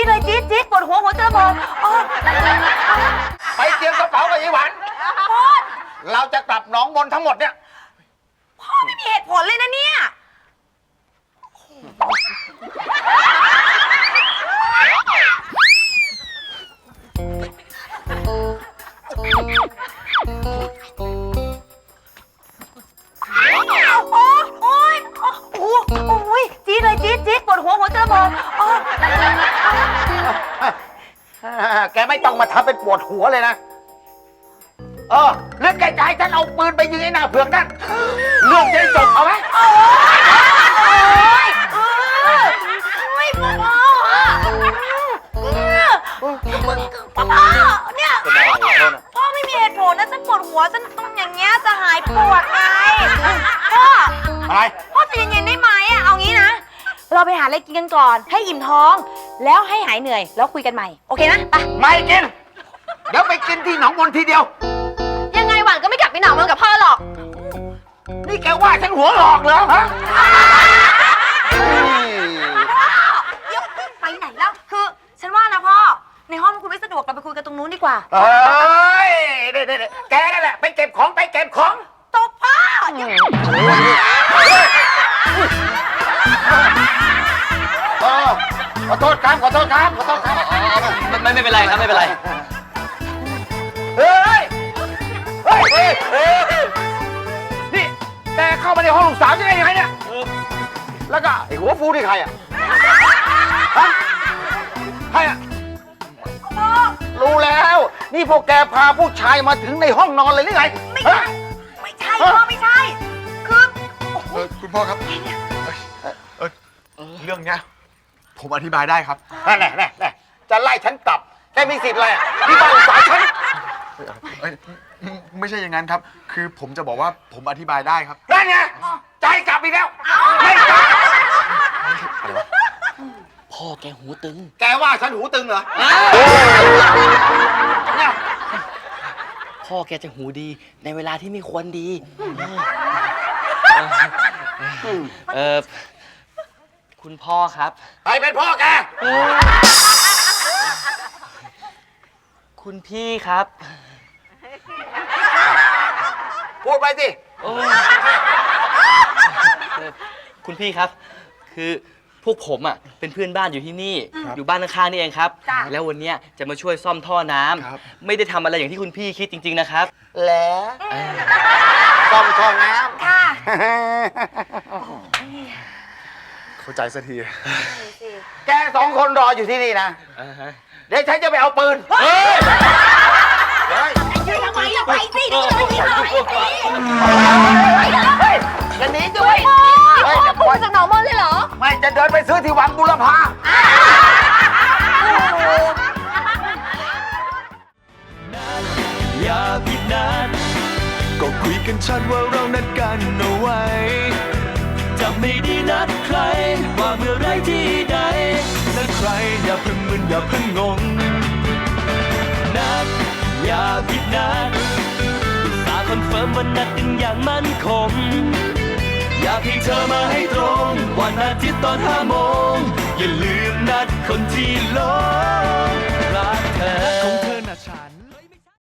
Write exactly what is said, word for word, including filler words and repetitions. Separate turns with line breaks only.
เลยจี๊ดจี๊ดปวดหัวหัวจะระเบิด
ไปเตรียมกระเป๋ากับยี่หวันเราจะกลับหนองมนทั้งหมดเนี่ย
พ่อไม่มีเหตุผลเลยนะเนี่ยโอ๊ยโอ้โอ้ยจี๊ดเลยจี๊ดจี๊ดปวดหัวหัวจะระเบิด
แกไม่ต้องมาทำเป็นปวดหัวเลยนะเออเรื่องแกใจฉันเอาปืนไปยิงไอ้หน้าเผือกนั่นเรื่องจะจบเอาไหม
โอ้ยโอ้ยพ่อพ่อเนี่ยพ่อไม่มีเหตุผลนะฉันปวดหัวฉันต้องอย่างเงี้ยจะหายปวดไงพ่อ
อะไร
พ่อจะเย็นๆได้ไหมอ่ะเอางี้นะเราไปหาอะไรกินกันก่อนให้อิ่มท้องแล้วให้หายเหนื่อยแล้วคุยกันใหม่โอเคนะไป
ไม่กินเดี๋ยวไปกินที่หนองมนทีเดียว
ยังไงหวานก็ไม่กลับไปหนองมนกับพ่อหรอก
นี่แกว่าฉันหัวหลอกเหรอฮะ
ไปไหนแล้วคือฉันว่านะพ่อในห้องคุณไม่สะดวกเราไปคุยกันตรงนู้นดีกว่า
เฮ้ยเด็ดๆแกนั่นแหละไปเก็บของไปเก็บของ
ตบพ่อ
ขอโทษครับขอโทษครับขอโทษครับ
ไม่ไม่เป็นไรครับไม่เป็นไร
เฮ้ยเฮ้ยเฮ้ยเฮ้ยนี่แกเข้ามาในห้องลูกสาวจะได้ยังไงเนี่ยแล้วก็ไอ้หัวฟูนี่ใครอ่ะฮะใครอ่ะรู้แล้วนี่พวกแกพาผู้ชายมาถึงในห้องนอนเลยหรือไง
ไม่ใช่ไม่ใช่พ่อไม่ใช่คือ
คุณพ่อครับเรื่องเนี้ยผมอธิบายได้ครับ
นั่นแหละนั่นแหละจะไล่ฉันกลับแกมีสิทธิ์อะไรที่บ้านลูกสาวฉัน
ไม่ใช่อย่างนั้นครับคือผมจะบอกว่าผมอธิบายได้ครับ
นั่นไงใจกลับอีกแล้วไม่กลับ
พ่อแกหูตึง
แกว่าฉันหูตึงเหรอเนี่ย
พ่อแกจะหูดีในเวลาที่ไม่ควรดีเออคุณพ่อครับ
ใครเป็นพ่อแก
คุณพี่ครับ
พูดไปสิ
คุณพี่ครับคือพวกผมอ่ะเป็นเพื่อนบ้านอยู่ที่นี่อยู่บ้านข้างๆนี่เองครับแล้ววันนี้จะมาช่วยซ่อมท่อน้ำไม่ได้ทำอะไรอย่างที่คุณพี่คิดจริงๆนะครับ
แล้วซ่อมท่อน้ำ
ค่ะ
เข้าใจสักที
แกสองคนรออยู่ที่นี่นะเดี๋ยวฉันจะไปเอาปืนเฮ้ยเฮ้ย
ทำไมล่ะไปสิเดี๋ยวจะไป
จะหนีด้วย
พ่อปู่จากหนองมนเลยเหรอ
ไม่จะเดินไปซื้อที่วังบุรพา
อย่าผิดนัดก็คุยกันชัดว่าเรานัดกันเอาไว้จะไม่ได้นัดใครว่าเมื่อไรที่ใดนัดใครอย่าเพิ่งมึนอย่าเพิ่งงงนัดอย่าผิดนัดตาคอนเฟิร์มว่านัดกันอย่างมั่นคงอยากให้เธอมาให้ตรงวันอาทิตย์ตอนห้าโมงอย่าลืมนัดคนที่หลง